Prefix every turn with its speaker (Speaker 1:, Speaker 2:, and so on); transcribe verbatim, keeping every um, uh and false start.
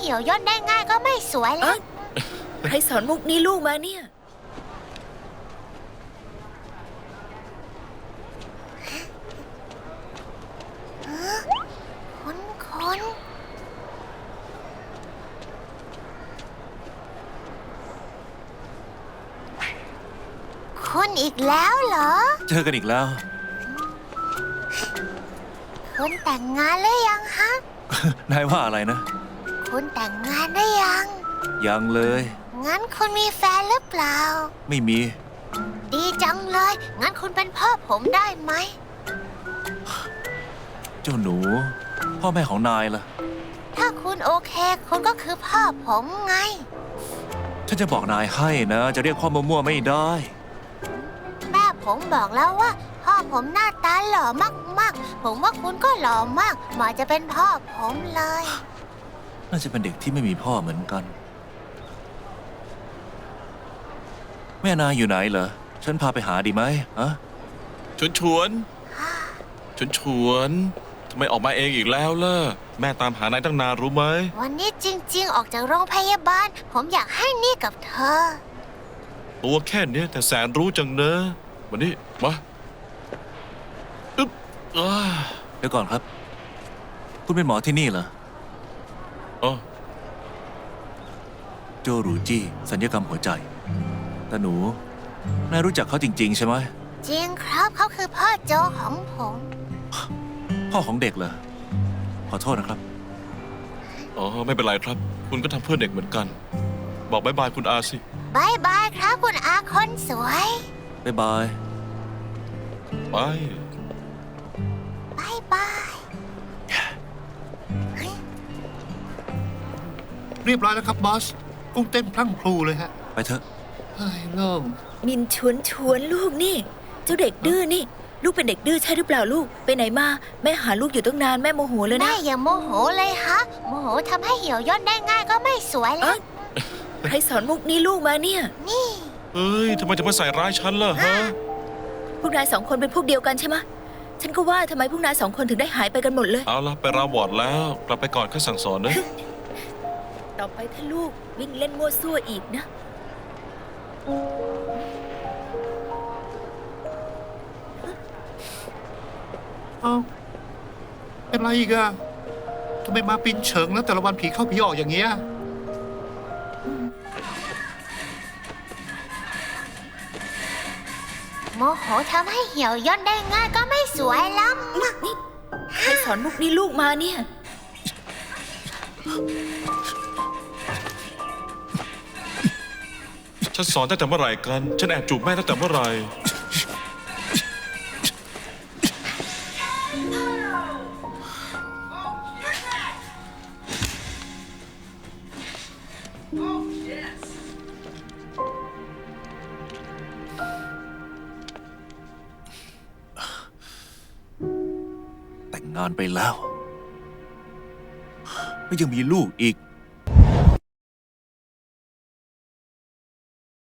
Speaker 1: เหี่ยวย่นได้ง่ายก็ไม่สวยแล้ว
Speaker 2: ใครสอนมุกนี้ลูกมาเนี่ย
Speaker 1: คนคนคุณอีกแล้วเหรอ
Speaker 3: เจอกันอีกแล้ว
Speaker 1: คุณแต่งงานหรือยังฮะ
Speaker 3: นายว่าอะไรนะ
Speaker 1: คุณแต่งงานได้ยัง
Speaker 3: ยังเลย
Speaker 1: งั้นคุณมีแฟนหรือเปล่า
Speaker 3: ไม่มี
Speaker 1: ดีจังเลย งั้นคุณเป็นพ่อผมได้ไหม
Speaker 3: เจ้าหนู พ่อแม่ของนายล่ะ
Speaker 1: ถ้าคุณโอเค คุณก็คือพ่อผมไง
Speaker 3: ฉันจะบอกนายให้นะ จะเรียกพ่อมั่วๆไม่ได้
Speaker 1: แม่ผมบอกแล้วว่า พ่อผมหน้าตาหล่อมากๆ ผมว่าคุณก็หล่อมากเหมาะจะเป็นพ่อผมเลย
Speaker 3: น่าจะเป็นเด็กที่ไม่มีพ่อเหมือนกัน แม่นายอยู่ไหนเหรอ ฉันพาไปหาดีไหมฮะ
Speaker 4: ชวนชวนชวนชวนทำไมออกมาเองอีกแล้วล่ะ แม่ตามหานายตั้งนานรู้ไหม
Speaker 1: วันนี้จริงๆ ออกจากโรงพยาบาล ผมอยากให้นี่กับเธอ
Speaker 4: ตัวแค่เนี้ยแต่แสนรู้จังเนอะวันนี้มาอึ๊บอ้า
Speaker 3: เดี๋ยวก่อนครับ คุณเป็นหมอที่นี่เหรอ
Speaker 4: อ๋อ
Speaker 3: โจรูจี้สัญญกรรมหัวใจ แต่หนู นายรู้จักเขาจริง ๆ ใช่ไหม
Speaker 1: จริงครับเขาคือพ่อโจของผม
Speaker 3: พ่อของเด็กเหรอ ขอโทษนะครับ
Speaker 4: อ๋อไม่เป็นไรครับ คุณก็ทำเพื่อเด็กเหมือนกัน บอกบายบายคุณอาสิ
Speaker 1: บายบายครับคุณอาคนสวย
Speaker 3: บ๊ายบาย
Speaker 4: ไป
Speaker 1: บายบาย
Speaker 5: เรียบร้อยแล้วครับบอส กุ้งเต้นพลั่งพลูเลยฮะ
Speaker 3: ไปเถอะ
Speaker 5: เฮ้ยโล่ง
Speaker 2: มินชวนชวนลูกนี่ เจ้าเด็กดื้อนี่ ลูกเป็นเด็กดื้อใช่หรือเปล่าลูก ไปไหนมาแม่หาลูกอยู่ตั้งนานแม่โมโหเลย
Speaker 1: แม่
Speaker 2: นะ
Speaker 1: อย่าโมโหเลยฮะ โมโหทำให้เหี่ยวย่นได้ง่ายก็ไม่สวยแล้
Speaker 2: เอ้
Speaker 1: วย
Speaker 2: ใครสอนมุกนี้ลูกมาเนี่ย
Speaker 1: นี่
Speaker 4: เฮ้ยทำไมจะมาใส่ร้ายฉันล่ะฮะ
Speaker 2: พวกนายสองคนเป็นพวกเดียวกันใช่ไหมฉันก็ว่าทำไมพวกนายสองคนถึงได้หายไปกันหมดเลย
Speaker 4: เอาละไปราวอร์ดแล้ว กลับไปก่อนข้าสั่งสอนนะ
Speaker 2: ต่อไปถ้าลูกวิ่งเล่นมั่วซั่วอีกนะ
Speaker 5: เอ้าเป็นไรอีกอะทำไมมาปินเฉิงแล้วแต่ละวันผีเข้าผีออกอย่างเงี้ย
Speaker 1: โมโหทำให้เหี่ยวย่นได้ง่ายก็ไม่สวยแล้ว
Speaker 2: นี่ใครสอนมุกนี้ลูกมาเนี่ย
Speaker 4: ฉันสอนตั้งแต่เมื่อไหร่กัน ฉันแอบจูบแม่ตั้งแต่เมื่อไหร่
Speaker 3: แต่งงานไปแล้ว แล้วยังมีลูกอีก